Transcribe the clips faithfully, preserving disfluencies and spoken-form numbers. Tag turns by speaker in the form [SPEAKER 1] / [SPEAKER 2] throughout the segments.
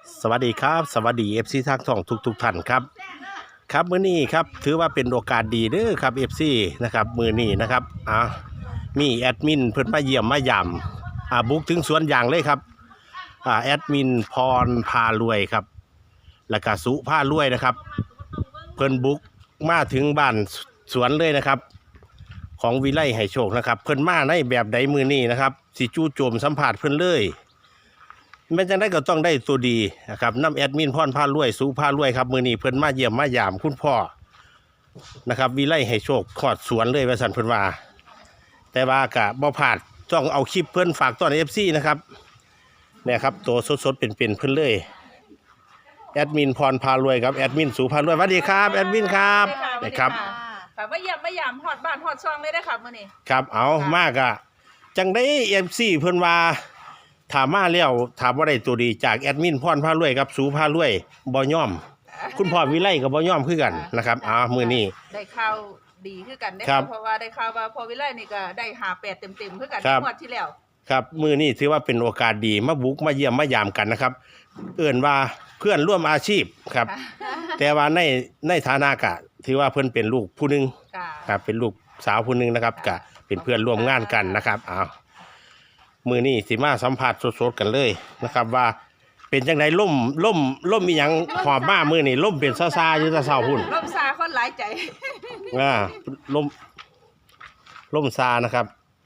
[SPEAKER 1] สวัสดีครับสวัสดีเอฟซีทางท่องทุกทุกท่านครับครับมื้อนี้ครับถือว่าเป็นโอกาสดีเด้อครับเอฟซีนะครับมื้อนี้นะครับอ่ามีแอดมินเพิ่นมาเยี่ยมมายามอ่าบุกถึงสวนยางเลยครับอ่าแอดมินพรพารวยครับแล้วก็สุพารวยนะครับเพิ่นบุกมาถึงบ้านสวนเลยนะครับของวิไลให้โชคนะครับเพิ่นมาในแบบใดมื้อนี้นะครับสิจู่โจมสัมผัสเพิ่นเลยแม้จะได้ก็ต้องได้ตัวดีนะครับน้ำแอดมินพรพารวยสุพารวยครับมือนี้เพิ่นมาเยี่ยมมายามคุณพ่อนะครับวิไลให้โชคขอดสวนเลยว่าสันเพิ่นว่าแต่ว่ากะบ่พลาดต้องเอาคลิปเพิ่นฝากต้อนเอฟซีนะครับเนี่ยครับตัวสดๆเป็นๆเพิ่นเลยแอดมินพรพารวยครับแอดมินสุพารวยสวัสดีครับแอดมินครับนะครับ
[SPEAKER 2] ค่ะมาเยี่ยมมายามฮอดบ้านฮอดช่องเลยได้ค่ะมื้อนี้
[SPEAKER 1] ครับเอามากอะจังได้เอฟซีเพิ่นว่าถามมาแล้วถามว่าได้ตัวดีจากแอดมินพรพารวยครับสูพารวยบ่ย่อมคุณพ่อวิไลกับบ่ย่อมคือกันนะครับอ๋อมื้อนี้
[SPEAKER 2] ได้ข่าวดีคือกันได้เพราะว่าได้ข่าวว่าพ่อวิไลนี่ก็ได้ห้าแปดเต็มๆคือกันงวดที่แล้ว
[SPEAKER 1] ครับมื้อนี้ถือว่าเป็นโอกาสดีมาบุกมาเยี่ยมมายามกันนะครับเอิ้นว่าเพื่อนร่วมอาชีพครับแต่ว่าในในฐานะกะถือว่าเพิ่นเป็นลูกผู้นึงครับเป็นลูกสาวผู้นึงนะครับกะเป็นเพื่อนร่วมงานกันนะครับอ้าวมือนี่สิมาสัมผัสสดๆกันเลยนะครับว่าเป็นจังไดล่มล่มล่มมีหยังหอบมามือนี่ล่มเป็นซาซาอยู่ตะเศร้าหุ่น
[SPEAKER 2] ล่มซาคนหลายใจ
[SPEAKER 1] อ่าล่มล่มซานะครับ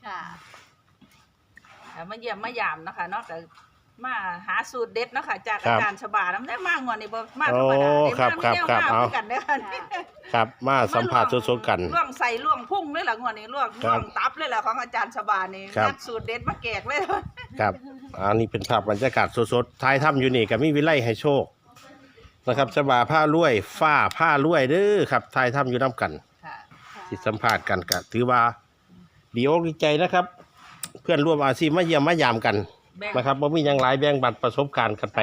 [SPEAKER 2] ค่ะมาเยี่ยมมายามนะคะเนาะแต่มาหาสูตรเด็ดเนาะค่ะจากอาจารย์ฉบาน้ำได้มากงอนนี่บ่มากธรรมดาได้
[SPEAKER 1] ครับครับครับเอา
[SPEAKER 2] กันได้ค่ะ
[SPEAKER 1] ครับมาสัมผัสสดๆกัน
[SPEAKER 2] ล่วงใส่ล่วงพุ่งเลยล่ะงอนนี่ล่วงล่วงตับเลยล่ะของอาจารย์ฉบานี่นัดสูตรเด็ดมาแกกเลย
[SPEAKER 1] ครับอันนี้เป็นภาพบรรยากาศสดๆท้ายถ้ำอยู่นี่กับมีวิไลให้โชคนะครับฉบาผ้าลวยฝ้าผ้าลวยเด้อครับท้ายถ้ำอยู่น้ำกันที่สัมผัสกันก็ถือว่าดีอกดีใจนะครับเพื่อนร่วมอาชีพมาเยี่ยมมายามกันนะครับว่ามีอย่างหลายแบ่งบัตรประสบการณ์กันไป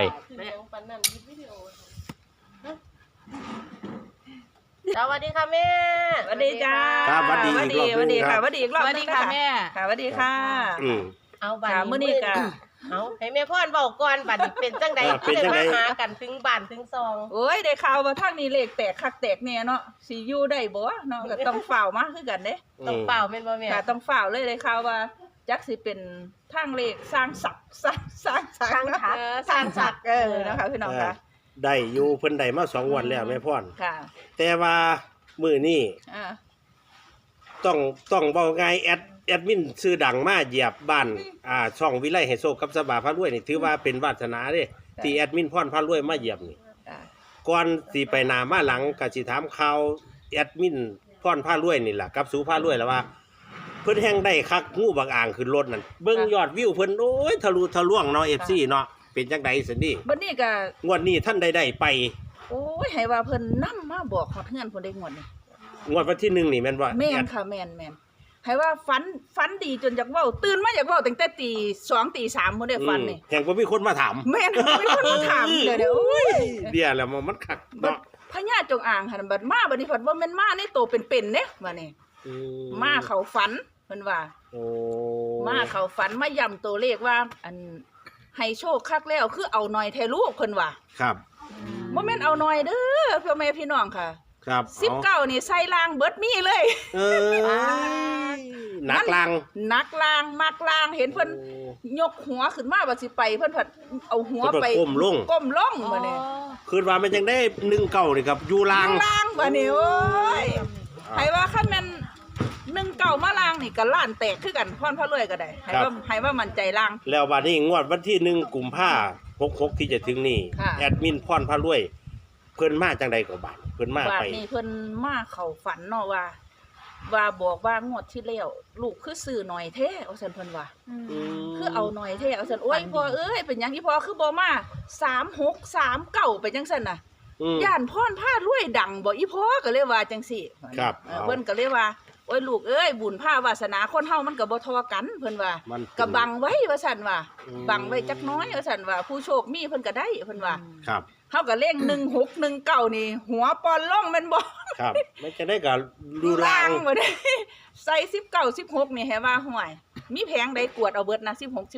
[SPEAKER 3] สวัสดีค่ะแม่
[SPEAKER 2] สวัสดีจ้า
[SPEAKER 1] ครับสวัสดีสวัสดี
[SPEAKER 2] สวัสดีค่ะสวัสดีอีกรอบ
[SPEAKER 3] สวัสดีค่ะแม่
[SPEAKER 2] ค่ะสวัสดีค่ะ
[SPEAKER 1] อืม
[SPEAKER 3] เอาบัตร
[SPEAKER 2] มื้อนี้ก็
[SPEAKER 3] เอาให้แม่พ่อนบอกก่อนบัตรเป็นจังใดเดินมาหากันถึงบ้านถึงซอง
[SPEAKER 2] โอ้ยได้ข่าวว่าทางนี้เลขแตกคักแตกแน่เนาะสิอยู่ได้บ่เนาะก็ต้องเฝ้ามาคือกันเด้
[SPEAKER 3] ต้องเฝ้าแม่นบ่แม่
[SPEAKER 2] ค่ะต้องเฝ้าเลยได้ข่าวว่าจักสิเป็นทางเลขสร้างศักดิ์สร้างสร้างศักดิ์สร้างศักดิ์เออนะคะพี่น้องค่ะ
[SPEAKER 1] ได้อยู่เพิ่นได้มาสองวันแล้วแม่พ่อน
[SPEAKER 2] ค่ะ
[SPEAKER 1] แต่ว่ามื้อนี้ต้องต้องเว้าไงแอดแอดมินชื่อดังมาเหยียบบ้านอ่าช่องวิไลให้โชคกับสบาพารวยนี่ถือว่าเป็นวาสนาเด้ที่แอดมินพรพารวยมาเหยียบนี่ก่อนสิไปหน้ามาหลังก็สิถามข่าวแอดมินพรพารวยนี่ล่ะกับสูพารวยแล้วว่าเพิ่นแห่งได้คักงูบักอ่างขึ้นรถนั่นเบิ่งยอดวิวเพิ่นโอ้ยทะลุทะลวงเนาะ เอฟ ซี เนาะเป็นจังได๋ซั่นนี่
[SPEAKER 2] บัดนี้ก็
[SPEAKER 1] งวดนี้ท่านได้ได้ไป
[SPEAKER 2] โอ้ยให้ว่าเพิ่นนำมาบอกฮอดเฮือนเพิ่นได้งวดนี้
[SPEAKER 1] งวดวันที่หนึ่งนี่แม่นบ่
[SPEAKER 2] แม่นค่ะแม่นแม่นให้ว่าฝันฝันดีจนอยากเว้าตื่นมาอยากเว้าตั้งแต่ตีสองตีสามพุ่นได้ฝันนี่
[SPEAKER 1] แห่งบ่มีคนมาถาม
[SPEAKER 2] แม่นมีคนมาถามเด้อเด้อโอ้ย
[SPEAKER 1] เดี๋ยวแล้วมันคักเนาะ
[SPEAKER 2] พญาจงอางหั่นบัดมาบัดนี้เพิ่นบ่แม่นมาในโตเป็นๆเด้บัดนี้มาเข้าฝันเพิ่นว่า
[SPEAKER 1] โอ้
[SPEAKER 2] มาเข้าฝันมาย้ำตัวเลขว่าอันให้โชคคักแล้วคือเอาหน่อยแท้ลูกเพิ่นว่า
[SPEAKER 1] ครับ
[SPEAKER 2] บ่แม่นเอาหน่อยเด้อพ่อแม่พี่น้องค่ะ
[SPEAKER 1] ครับ
[SPEAKER 2] สิบเก้านี่ใส่ลางเบิดมีเลย
[SPEAKER 1] เออนักลาง
[SPEAKER 2] นักลางมักลางเห็นเพิ่นยกหัวขึ้นมาว่าสิไปเพิ่นผัดเอาหัวไป
[SPEAKER 1] ก้มลง
[SPEAKER 2] ก้มลงบัดนี้
[SPEAKER 1] คือว่ามันยังได้หนึ่งเก้านี่ครับอยู่ลาง
[SPEAKER 2] ลางบัดนี้โอ้ยให้ว่าคันแม่นหนึ่งเก้ามาลางนี่ก็ล้านแตกคือกันพรพระรวยก็ได้ให้ว่าให้ว่ามั่นใจลาง
[SPEAKER 1] แล้วบัดนี้งวดวันที่หนึ่งกุมภาพันธ์หกสิบหกที่จะถึงนี่แอดมินพรพระรวยเพิ่นมาจังใดก็บาดเพิ่นมาไป
[SPEAKER 2] นี่เพิ่นมาเข้าฝันเนาะว่าว่าบอกว่างวดที่แล้วลูกคือซื้อหน่อยแท้เอาซั่นเพิ่นว่าคือเอาหน่อยแท้เอาซั่นโอ้ยพ่อเอ้ยเป็นหยังอีพ่อคือบ่มาสามหก สามเก้าไปจังซั่นน่ะย่านพรพารวยดังบ่อีพ่อก็เลยว่าจังซี่
[SPEAKER 1] ครับ
[SPEAKER 2] เพิ่นก็เลยว่าโอ้ยลูกเอ้ยบุญภาวาสนาคนเฮามันก็บ่เท่ากันเพิ่นว่าก็บังไว้ว่าซั่นว่าบังไว้จักน้อยว่าซั่นว่าผู้โชคมีเพิ่นก็ได้เพิ่นว่า
[SPEAKER 1] ครับ
[SPEAKER 2] เฮาก็เลขหนึ่งหก หนึ่งเก้านี่หัวปอนล่องแม่นบ่
[SPEAKER 1] ครับมันจะได้ก็ดูลาง
[SPEAKER 2] บ่ได้ใส่สิบเก้า สิบหกนี่ให้ว่าห่วยมีแผงใดกวดเอาเบิดนะสิบหก สิบเก้า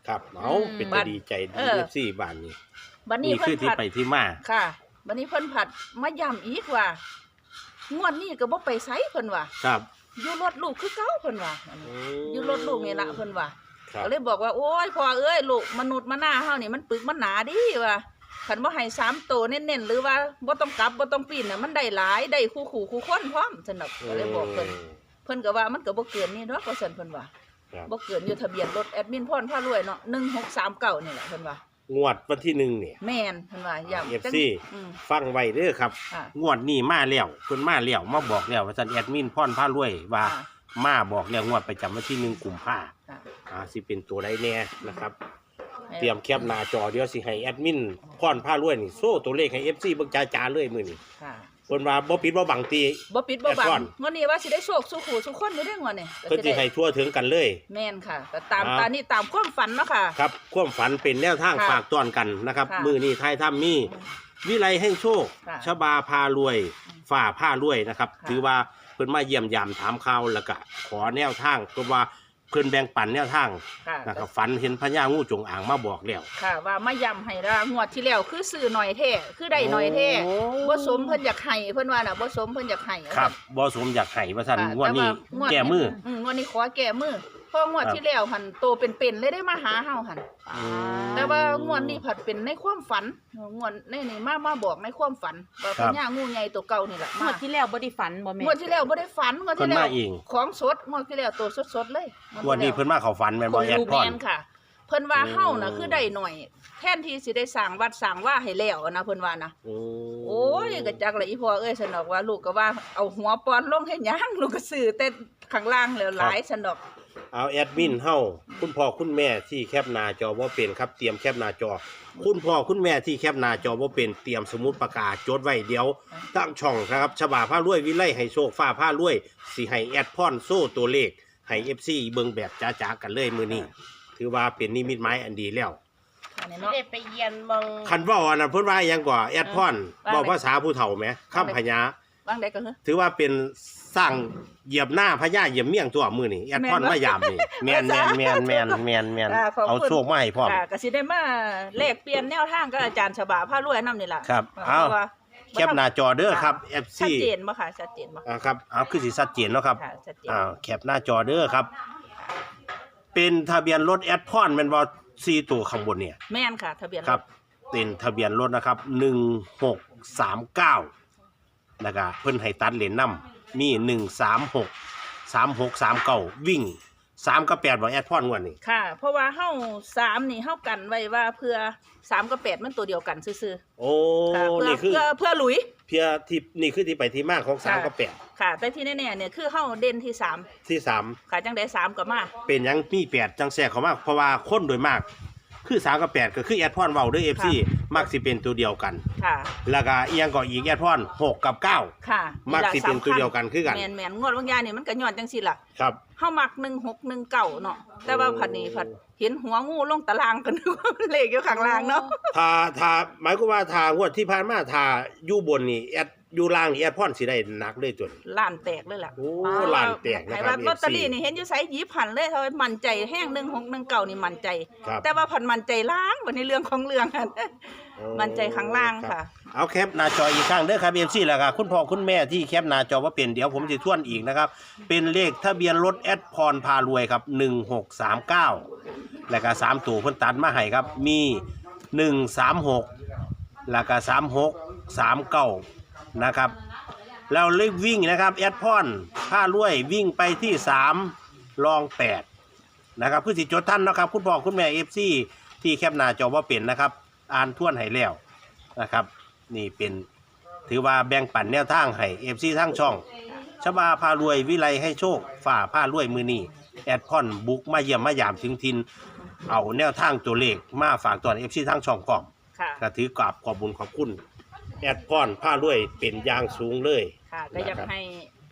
[SPEAKER 1] ครับเอาเป็นตาดีใจดี
[SPEAKER 2] เออ
[SPEAKER 1] เอฟซีบ้านนี้
[SPEAKER 2] บัดนี้
[SPEAKER 1] นี่
[SPEAKER 2] เพิ่
[SPEAKER 1] คือน ที่
[SPEAKER 2] ผัด
[SPEAKER 1] ไปที่มา
[SPEAKER 2] ค่ะบัดนี้เพิ่นผัดมาย้ำอีกว่างวดนี้ก็บ่ไปไสเพิ่นว่า
[SPEAKER 1] ครับ
[SPEAKER 2] อยู่รถลูกคือเก่าเพิ่นว่าอยู่รถลูกนี่ล่ะเพิ่นว่า
[SPEAKER 1] ครับ
[SPEAKER 2] ก็เลยบอกว่าโอ้ยพ่อเอ้ยลูกมนุษย์มนาเฮานี่มันปึกมันหนาดิว่าคันบ่ให้สามโตวเน้นๆหรือว่าบ่ต้องกลับบ่ต้องปีนน่ะมันได้หลายได้คู่คู่คู่คนพร้อมสนับก็เลยบอกเพิ่นเพิ่นก็ว่ามันก็บ่เกินนี่ดอกว่าซั่นเพิ่นว่า
[SPEAKER 1] ครับ
[SPEAKER 2] บ่เกินอยู่ทะเบียนรถแอดมินพรพารวยเนาะหนึ่งหกสามเก้านี่แหละเพิ่นว่าง
[SPEAKER 1] วดวันที่หนึ่งเนี่ย
[SPEAKER 2] แม่นเพิ่นว่าย้ำ
[SPEAKER 1] เอฟซี
[SPEAKER 2] อืม
[SPEAKER 1] ฟังไว้เด้อครับ
[SPEAKER 2] ค่ะ
[SPEAKER 1] งวดนี้มาแล้วเพิ่นมาแล้วมาบอกแล้วว่าซั่นแอดมินพรพารวยว่า
[SPEAKER 2] ค่ะ
[SPEAKER 1] มาบอกแล้วงวดประจำวันที่หนึ่งกุมภา
[SPEAKER 2] ค่ะ
[SPEAKER 1] อ่าสิเป็นตัวใดแน่นะครับ เตรียมแคปหน้าจอเดี๋ยวสิให้แอดมินพรพารวยนี่โซ่ตัวเลขให้ เอฟ ซี เบิ่งจ้าๆเลยมื้อนี้
[SPEAKER 2] ค่ะ
[SPEAKER 1] เพิ่นว่าบ่ปิดบ่บังตี
[SPEAKER 2] บ่ปิดบ่บั
[SPEAKER 1] แอดก่อน
[SPEAKER 2] งงวดนี้ว่าสิได้โชคสู่ขู่สู่คนอยู่ได้งวดนี้ก็
[SPEAKER 1] เพิ่นสิ
[SPEAKER 2] ได้
[SPEAKER 1] ให้ทั่วถึงกันเลย
[SPEAKER 2] แม่นค่ะก็ตาม
[SPEAKER 1] อ่า
[SPEAKER 2] ตามนี้ตามความฝันเนาะค่ะ
[SPEAKER 1] ครับความฝันเป็นแนวทาง
[SPEAKER 2] ค่ะ
[SPEAKER 1] ฝากต้อนกันนะครับ
[SPEAKER 2] ค่ะ
[SPEAKER 1] มื้อนี้ท้ายถ้ำมีวิไลให้โชค
[SPEAKER 2] ค่ะ
[SPEAKER 1] ชบาพารวยฝ่าผ้ารวยนะครับ
[SPEAKER 2] ค่ะ
[SPEAKER 1] ถือว่าเพิ่นมาเยี่ยมยามถามข่าวแล้วก็ขอแนวทางเพราะว่าเพิ่นแบ่งปันแนวทาง
[SPEAKER 2] ค่ะ
[SPEAKER 1] นะครับฝันเห็นพญางูจงอางมาบอกแล้ว
[SPEAKER 2] ค่ะว่ามาย้ำให้ละงวดที่แล้วคือซื้อหน่อยแท้คือได้หน่อยแท้
[SPEAKER 1] โอ้
[SPEAKER 2] บ่สมเพิ่นอยากให้เพิ่นว่าน่ะบ่สมเพิ่นอยากให้
[SPEAKER 1] ครับบ่สมอยากให้ว่าซั่น
[SPEAKER 2] ค่ะ
[SPEAKER 1] งวดนี้
[SPEAKER 2] ต่ว่างวด
[SPEAKER 1] แก้มือ
[SPEAKER 2] อืมงวดนี้ขอแก้มือเพราะงวด
[SPEAKER 1] ครับ
[SPEAKER 2] ที่แล้วหันโตเป็นๆเลยได้มาหาเฮาหัน
[SPEAKER 1] อืม
[SPEAKER 2] แต่ว่างวดนี้ผัดเป็นในความฝันงวดนี่นี่มามาบอกในความฝันว่า
[SPEAKER 1] ครั
[SPEAKER 2] พ
[SPEAKER 1] บ
[SPEAKER 2] ญางูใหญ่ตัวเก่านี่แหละ
[SPEAKER 3] งวดที่แล้วบ่ได้ฝันบ่แม่
[SPEAKER 2] งวดที่แล้วบ่ได้ฝันงวดที่แล้
[SPEAKER 1] เพิ่น
[SPEAKER 2] ว
[SPEAKER 1] มาเอง
[SPEAKER 2] ของสดงวดที่แล้วตัวสดๆเลย
[SPEAKER 1] งวดนี้เพิ่นมาเข้าฝันแม่นบ่แอด
[SPEAKER 2] ดู
[SPEAKER 1] พ
[SPEAKER 2] แม
[SPEAKER 1] ร
[SPEAKER 2] นค่ะ เพิ่นว่า
[SPEAKER 1] โอ้
[SPEAKER 2] เฮาน่ะคือได้หน่อยแทนที่สิได้สร้างวัดสร้างว่าให้แล้วนะเพิ่นว่านะ
[SPEAKER 1] โอ้
[SPEAKER 2] โอ้ยก็จักละอีพ่อเอ้ยสนอกว่าลูกก็ว่าเอาหัวปอนลงให้หยังลูกก็ซื้อแต่ข้างล่างแล้วหลายสนอก
[SPEAKER 1] เอาแอดมินเฮาคุณพ่อคุณแม่ที่แคปหน้าจอบ่เป็นครับเตรียมแคปหน้าจอ คุณพ่อคุณแม่ที่แคปหน้าจอบ่เป็นเตรียมสมุดปากกาจดไว้เดี๋ยวตั้งช่องนะครับฉบาผ้ารวยวิไลให้โชคฟ้าผ้ารวยสิให้แอดพรโซ่ตัวเลขให้ เอฟ ซี เบิ่งแบบจ๋าๆกันเลยมื้อนี้ถือว่าเป็นนิมิตหมายอันดีแล้ว
[SPEAKER 2] อันนี้
[SPEAKER 3] สิ
[SPEAKER 2] เนาะ
[SPEAKER 3] ได้ไปเยียนมอง
[SPEAKER 1] คันเว้าอันนั้นเพิ่นว่าหยังกว่าแอดพร
[SPEAKER 2] ว่า
[SPEAKER 1] เว้าภาษาผู้เฒ่าแหมคำพญา
[SPEAKER 2] ว่างใดก็คือ
[SPEAKER 1] ถือว่าเป็นสร้างเหยียบหน้าพญาเหยียบเมี่ยงตัวมื้อนี้แอดพร
[SPEAKER 2] แม่นบ่
[SPEAKER 1] มายามนี่แม่นแม่นแม่นแม่นแม่นแม่น
[SPEAKER 2] อ่าขอบคุณ
[SPEAKER 1] เอาโชคมาให้พร้อม
[SPEAKER 2] ค่ะก็สิได้มาแลกเปลี่ยนแนวทางกับอาจารย์ฉบาผ้ารวยนำนี่ล่ะ
[SPEAKER 1] ครับ
[SPEAKER 2] เพ
[SPEAKER 1] เอา
[SPEAKER 2] ราะว่า
[SPEAKER 1] แคปหน้าจอเด้อครับ เอฟ ซี
[SPEAKER 2] ชัดเจนบ่ค่ะชัดเจนบ่
[SPEAKER 1] อ่าครับเอาคือสิชัดเจนเนาะครับ
[SPEAKER 2] ค่ะชัดเจน
[SPEAKER 1] อ่าแคปหน้าจอเด้อครับ เป็นทะเบียนรถแอดพอนแม่นบ่สี่ตัวข้างบนเนี่ย
[SPEAKER 2] แม่นค่ะ ทะเบียน
[SPEAKER 1] ครับ เป็นทะเบียนรถนะครับหนึ่งหกสามเก้าแล้วก็เพิ่นให้ตัดเหรียญนำมีหนึ่งสามหกสามหกสามเก้าวิ่งสามกับแปดบ่แอดพอนงวดนี้
[SPEAKER 2] ค่ะ เพราะว่าเฮาสามนี่เฮากันไว้ว่าเพื่อสามกับแปดมันตัวเดียวกันซื่อ
[SPEAKER 1] โอ้
[SPEAKER 2] ๆค่ะเพื่อ
[SPEAKER 1] นี่คือ
[SPEAKER 2] เพื่อเพื่อหลุย
[SPEAKER 1] เพียที่นี่คือที่ไปที่มาของสาม
[SPEAKER 2] ค่ะ
[SPEAKER 1] กับแปด
[SPEAKER 2] ค่ะ แต่ที่แน่ๆเนี่ยคือเฮาเด่นที่สาม
[SPEAKER 1] ที่สาม
[SPEAKER 2] ค่ะจังได๋สามก็มา
[SPEAKER 1] เป็นหยังมีแปดจังแทรกเข้ามาเพราะว่าคนโดยมาก คือสามกับแปดก็คือแอดพอนเว้าเด้วยเอฟซีมักสิเป็นตัวเดียวกัน
[SPEAKER 2] ค่ะ
[SPEAKER 1] แล้วก็อีหยังก็อีกแอดพอนหกกับเก้า
[SPEAKER 2] ค่ะ
[SPEAKER 1] มักสิเป็นตัวเดียวกันคือกัน
[SPEAKER 2] แม่นแม่นๆงวดบางอย่างนี่มันก็ย้อนจังซี่ล่ะ
[SPEAKER 1] ครับ
[SPEAKER 2] เฮามักหนึ่งหกหนึ่งเก้าเนาะแต่ว่าผัดนี้ผัดเห็นหัวงูลงตารางกัน นึกว่ามันเลขอยู่ข้างล่างเนาะ
[SPEAKER 1] ถ้าถ้าหมายความว่าถ้างวดที่ผ่านมาถ้าอยู่บนนี่แอดอยู่ล่างนี่แอดพอนสิได้หนักเลยจน
[SPEAKER 2] ล้านแตกเลยล่ะ
[SPEAKER 1] โอ้ล้านแตกนะ
[SPEAKER 2] ไอ้
[SPEAKER 1] ครั
[SPEAKER 2] ว่า
[SPEAKER 1] บ
[SPEAKER 2] ลอตเตอรี่
[SPEAKER 1] เอฟซี
[SPEAKER 2] นี่เห็นอยู่ไสหยิบหันเลยเท่ามั่นใจแห้งหนึ่งหกหนึ่งเก้านี่มั่นใจ
[SPEAKER 1] ครับ
[SPEAKER 2] แต่ว่าผัดมั่นใจล้างบัดในเรื่องของเรื่องหั่น มั่นใจข้างล่าง
[SPEAKER 1] รับ
[SPEAKER 2] ค่ะ
[SPEAKER 1] เอาแคปหน้าจออีกครั้งเด้อครับ เอฟ ซี แล้วก็คุณพ่อคุณแม่ที่แคปหน้าจอว่าเป็นเดี๋ยวผมสิทวนอีกนะครับ เป็นเลขทะเบียนรถแอดพรพารวยครับหนึ่งหกสามเก้าแล้วก็สามตัวเพิ่นตัดมาให้ครับมีหนึ่งสามหกแล้วก็สามหกสามเก้านะครับแล้วเลขวิ่งนะครับแอดพรพารวยวิ่งไปที่สามรองแปดนะครับคือสิจดท่านนะครับคุณพ่อคุณแม่ เอฟ ซี ที่แคปหน้าจอว่าเป็นนะครับอ่านทวนให้แล้วนะครับ นี่เป็นถือว่าแบ่งปันแนวทางให้ เอฟ ซี ทั้งช่องชบาพารวยวิไลให้โชคฝ่าผ้ารวยมือนี้แอดพอนบุกมาเยี่ยมมายามถึงทินเอาแนวทางตัวเลขมาฝากตอน เอฟ ซี ทั้งช่องก่อม
[SPEAKER 2] ค่ะ
[SPEAKER 1] ก็ถือกราบขอบบุญขอบคุณแอดพอนผ้ารวยเป็นอย่างสูงเลย
[SPEAKER 2] ค่ะก็อยากให้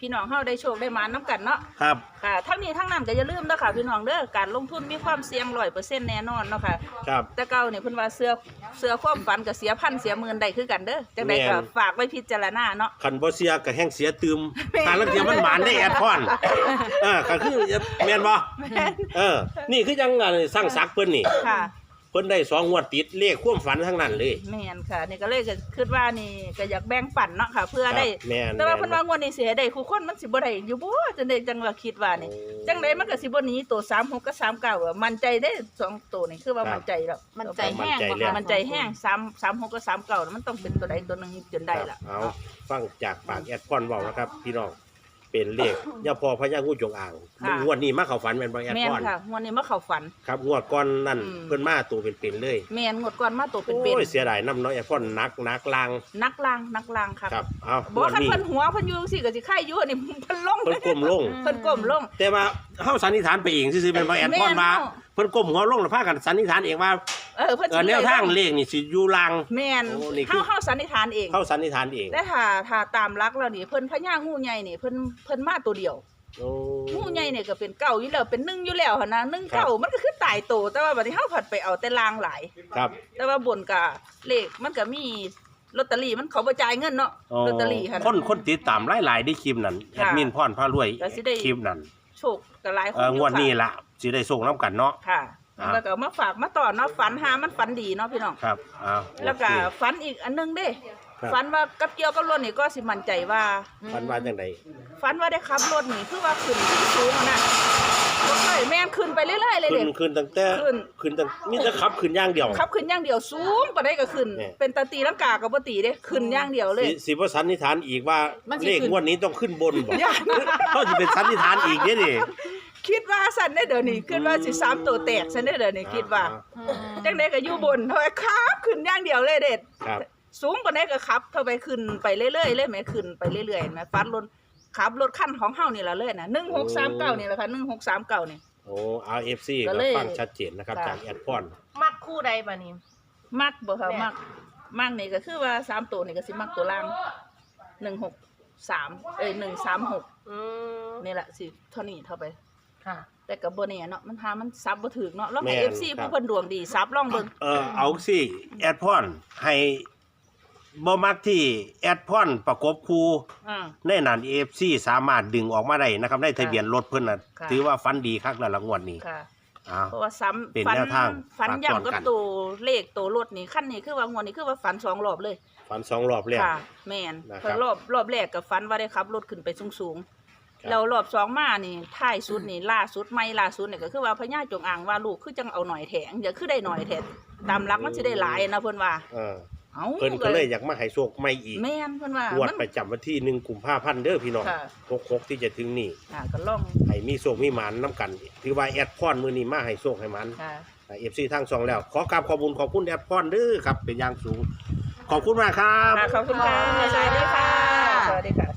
[SPEAKER 2] พี่น้องเฮาได้โชคได้มานํกันเนาะ
[SPEAKER 1] ครับ
[SPEAKER 2] ค่ะทั้งนี้ทั้งนั้นก็อย่าลืมเด้อค่ะพี่น้องเด้อการลงทุนมีความเสี่ยง ร้อยเปอร์เซ็นต์ แน่นอนเนาะค่ะ
[SPEAKER 1] ครับ
[SPEAKER 2] แต่เก่านี่เพิ่นว่าเสื้อเสื้อความฝันก็เสียพันเสียหมื่นได้คือกันเด้อจังได๋ก็ฝากไว้พิจารณาเนาะ
[SPEAKER 1] คันบ่เสียก็แห้งเสียตืมหาลังเทียมันหมานได้แอดพอนเออก็คือแม่นบ่เออนี่คือจังอันสร้างศักดิ์เพิ่นนี่
[SPEAKER 2] ค่ะ
[SPEAKER 1] เพิ่นได้สองงวดติดเลขความฝันทั้งนั้นเลย
[SPEAKER 2] แม่นค่ะนี่ก็เลยก็คิดว่านี่ก็อยากแบ่งปันเนาะค่ะ เพื่อได้
[SPEAKER 1] ครับแม่น
[SPEAKER 2] แต่ว่า
[SPEAKER 1] แม่น
[SPEAKER 2] เพิ่นว่างวดนี้สิให้ได้คู่คนมันสิบ่ได้อยู่บ่จังได๋จังว่าคิดว่านี่
[SPEAKER 1] โอ้
[SPEAKER 2] จังไดมันก็สิบ่หนีตัวสามหกกับสามเก้าอะมั่นใจได้สองตัวนี่คือว่า
[SPEAKER 1] ครับ
[SPEAKER 2] มั่นใจแล้ว
[SPEAKER 3] มันใจแห้ง
[SPEAKER 1] มั่นใจ
[SPEAKER 3] บ่
[SPEAKER 1] แล้ว
[SPEAKER 3] คะ
[SPEAKER 2] มั่นใจแห้งสาม สามหกกับสามเก้ามันต้องเป็นตัวใดตัวหนึงจนได้ล่ะ
[SPEAKER 1] เอาฟังจากปากแอดพอนเว้านะครับ พี่น้องเป็นเลขย่าพอพญางูจงอาง
[SPEAKER 2] ค่ะ
[SPEAKER 1] งวดนี้มาเข้าฝันแม่นบ่แอด
[SPEAKER 2] แม่
[SPEAKER 1] พ
[SPEAKER 2] น
[SPEAKER 1] อน
[SPEAKER 2] ค่ะงวดนี้มาเข้าฝัน
[SPEAKER 1] ครับงวดก่อนนั่น
[SPEAKER 2] อืม
[SPEAKER 1] เพิ่นมาตัวเป็นๆเลย
[SPEAKER 2] แม่นงวดก่อนมาตัวเป็น
[SPEAKER 1] โอ้ยเสียดายน้ำน้อยแอดพอนนักนักลาง
[SPEAKER 2] ๆนักลางนักลางครับ
[SPEAKER 1] ครับเอา
[SPEAKER 2] บ่
[SPEAKER 1] งวด
[SPEAKER 2] คัน
[SPEAKER 1] นี้
[SPEAKER 2] เพิ่นหัวเพิ่นอยู่จังซี่ก็สิไข่อยู่นี่ เพิ่นลง
[SPEAKER 1] เพิ่นก้มลง
[SPEAKER 2] เพิ่นก้มลง
[SPEAKER 1] แต่ว่าเฮาสันนิษฐานไปเองซื่อๆเป็นบ่แอดพอนมา
[SPEAKER 2] แม่นเนาะ
[SPEAKER 1] เพิ่นก้มหัวลงแล้วพากันสันนิษฐานเองว่า
[SPEAKER 2] เออเพิ่น
[SPEAKER 1] เออแนวทางเลขนี่สิอยู่ลาง
[SPEAKER 2] แม่น
[SPEAKER 1] โอ้นี่คือ
[SPEAKER 2] เฮาเฮาสันนิษฐานเอง
[SPEAKER 1] เฮาสันนิษฐานเอง
[SPEAKER 2] แต่ถ้าถ้าตามหลักแล้วนี่เพิ่นพญางูใหญ่นี่เพิ่นเพิ่นมาตัวเดียว
[SPEAKER 1] โอ้
[SPEAKER 2] งูใหญ่นี่ก็เป็นเก่าอยู่แล้วเป็นหนึ่งอยู่แล้วหั่นนะหนึ่ง
[SPEAKER 1] ครับ
[SPEAKER 2] เก่ามันก็คือตายโตแต่ว่าบัดนี้เฮาผัดไปเอาแต่ลางหลาย
[SPEAKER 1] ครับ
[SPEAKER 2] แต่ว่าบนก็เลขมันก็มีลอตเตอรี่มันเขาบ่จ่ายเงินเนาะลอตเตอรี่หั่น
[SPEAKER 1] คนคนติดตามหลายๆได้คลิปนั้นแอ
[SPEAKER 2] ค่ะ
[SPEAKER 1] ดมินพรพารวย
[SPEAKER 2] ก็สิได้
[SPEAKER 1] คลิปนั้น
[SPEAKER 2] โชคก็หลายคน
[SPEAKER 1] เออ
[SPEAKER 2] อยู่
[SPEAKER 1] งวดนี้
[SPEAKER 2] ค่ะ
[SPEAKER 1] ล่ะสิได้ส่งนํกันเนาะ
[SPEAKER 2] ค่ะ
[SPEAKER 1] อ่า
[SPEAKER 2] แล้วก็มาฝากมาต่อเนาะฝันหามันฝันดีเนาะพี่น้อง
[SPEAKER 1] ครับอ้าว
[SPEAKER 2] แล้วก็
[SPEAKER 1] โอเค
[SPEAKER 2] ฝันอีกอันหนึงเด้
[SPEAKER 1] ครับ
[SPEAKER 2] ฝันว่ากับเกี่ยวกับรถนี่ก็สิมั่นใจว่า
[SPEAKER 1] ฝันว่าจังได
[SPEAKER 2] ฝันว่าได้ขับรถนี่คือว่าขึ้นที่สูงอะนะบ่เคยแม่นขึ้นไปเรื่อยๆเลย
[SPEAKER 1] ขึ้
[SPEAKER 2] เด้
[SPEAKER 1] นขึ้นตั้งแต่
[SPEAKER 2] ขึ้น
[SPEAKER 1] ขึ้นตั้งมีแต่ขับขึ้นอย่างเดียว
[SPEAKER 2] ขับขึ้นอย่างเดียวสูงปานใดก็ขึ้น
[SPEAKER 1] เนี่ย
[SPEAKER 2] เป็นตาตีลังกาก็บ่ตีเด้ขึ้นอย่างเดียวเลย
[SPEAKER 1] สิสิบ่สันนิษฐานอีกว่า
[SPEAKER 2] มันสิ
[SPEAKER 1] เลข
[SPEAKER 2] ขึ้น
[SPEAKER 1] งวดนี้ต้องขึ้นบนบ่
[SPEAKER 2] ย่าน
[SPEAKER 1] เฮาสิเป็นสันนิษฐานอีกเด้นี่
[SPEAKER 2] คิดว่าสั่นได้เดี๋ยวนี้คิดว่าสิสามตัวแตกสั่นได้เดี๋ยวนี้คิดว่า
[SPEAKER 1] อ่
[SPEAKER 2] จังได๋ก็อยู่บนเท่าไหร่ครับขึ้นอย่างเดียวเลยเด็ด
[SPEAKER 1] ครับ
[SPEAKER 2] สูงปานใดก็ขับเท่าไปขึ้นไปเรื่อยๆเลยแหมขึ้นไปเรื่อยๆเห็นไหมฟัดรถขับรถคันของเฮานี่ล่ะเลยน่ะหนึ่งหกสามเก้านี่แหละค่ะหนึ่งหกสามเก้านี่
[SPEAKER 1] โอ้ อาร์ เอฟ ซี
[SPEAKER 2] ก็
[SPEAKER 1] ก็
[SPEAKER 2] เลย
[SPEAKER 1] ฟังชัดเจนนะครับ
[SPEAKER 2] ค่ะ
[SPEAKER 1] จากแอดพอน
[SPEAKER 3] มักคู่ใดบัดนี้
[SPEAKER 2] มักบ่ค่ะ
[SPEAKER 3] แม่
[SPEAKER 2] มักมักนี่ก็คือว่าสามตัวนี่ก็สิมักตัวล่างหนึ่งหกสามเอ้ยหนึ่งสามหก
[SPEAKER 3] อืม
[SPEAKER 2] นี่แหละสิเท่านี้เท่าไป
[SPEAKER 3] ค่ะ
[SPEAKER 2] แต่ก็บ่แน่เนาะมันหามันซับบ่ถึกเนาะแล้วให้
[SPEAKER 1] แม่น
[SPEAKER 2] เอฟซี
[SPEAKER 1] ครับ
[SPEAKER 2] ผู้เพิ่นดวงดีซับลองเบิ่ง
[SPEAKER 1] เออเอาสิแอดพอนให้บ่มักที่แอดพอนประกบคู่
[SPEAKER 2] อ่า
[SPEAKER 1] ในนั้น เอ เอฟ ซี สามารถดึงออกมาได้นะครับในทะเบียนรถเพิ่นน่ะ
[SPEAKER 2] ค่ะ
[SPEAKER 1] ถือว่าฟันดีคักแล้วละงวดนี้
[SPEAKER 2] ค่ะ
[SPEAKER 1] อ้าว
[SPEAKER 2] เพราะว่าซ้ำ
[SPEAKER 1] เป็น
[SPEAKER 2] ฝัน
[SPEAKER 1] แนวทาง
[SPEAKER 2] ฝัน
[SPEAKER 1] ฝาก
[SPEAKER 2] ย่ำ
[SPEAKER 1] ซ้อน
[SPEAKER 2] กับ
[SPEAKER 1] กัน
[SPEAKER 2] ตัวเลขตัวรถนี่ขั้นนี้คือว่างวดนี้คือว่าฝันสองรอบเลย
[SPEAKER 1] ฟันสองรอบแล้ว
[SPEAKER 2] ค่ะ แม่น
[SPEAKER 1] นะครับ
[SPEAKER 2] เพราะรอบรอบแรกก็ฝันว่าได้ขับรถขึ้นไปสูง
[SPEAKER 1] ครับ
[SPEAKER 2] ๆแล้วรอบสองมานี่ท้ายสุดนี่ล่าสุดไม่ล่าสุดนี่ก็คือว่าพญาจงอางว่าลูกคือจังเอาหน่อยแถงอย่าคือได้หน่อยแถงตามหลักมันสิได้หลายนะเพิ่นว่า
[SPEAKER 1] เออ
[SPEAKER 2] เอ้า
[SPEAKER 1] เพิ่นก็เลยอยากมาให้โชคใหม่อีก
[SPEAKER 2] แม่นเพิ่นว่าง
[SPEAKER 1] วด
[SPEAKER 2] มัน
[SPEAKER 1] ประจำวันที่หนึ่งกุมภาพันธ์เด้อพี่น้อง
[SPEAKER 2] ค่ะ
[SPEAKER 1] หกหกที่จะถึงนี่
[SPEAKER 2] อ่าก็ลอง
[SPEAKER 1] ให้มีโชคมีหมานนํกัน ถือว่าแอดพอนมื้อนี้มาให้โชคให้หมัน
[SPEAKER 2] ค่ะ
[SPEAKER 1] เอฟซีทางสองแล้ว ขอกราบขอบคุณขอบคุณแอดพอนเด้อครับ เป็นอย่างสูง ขอบคุณมากครับ
[SPEAKER 2] ค่ะขอบคุณค่ะสวัสดีค่ะ สวัสดีค่ะ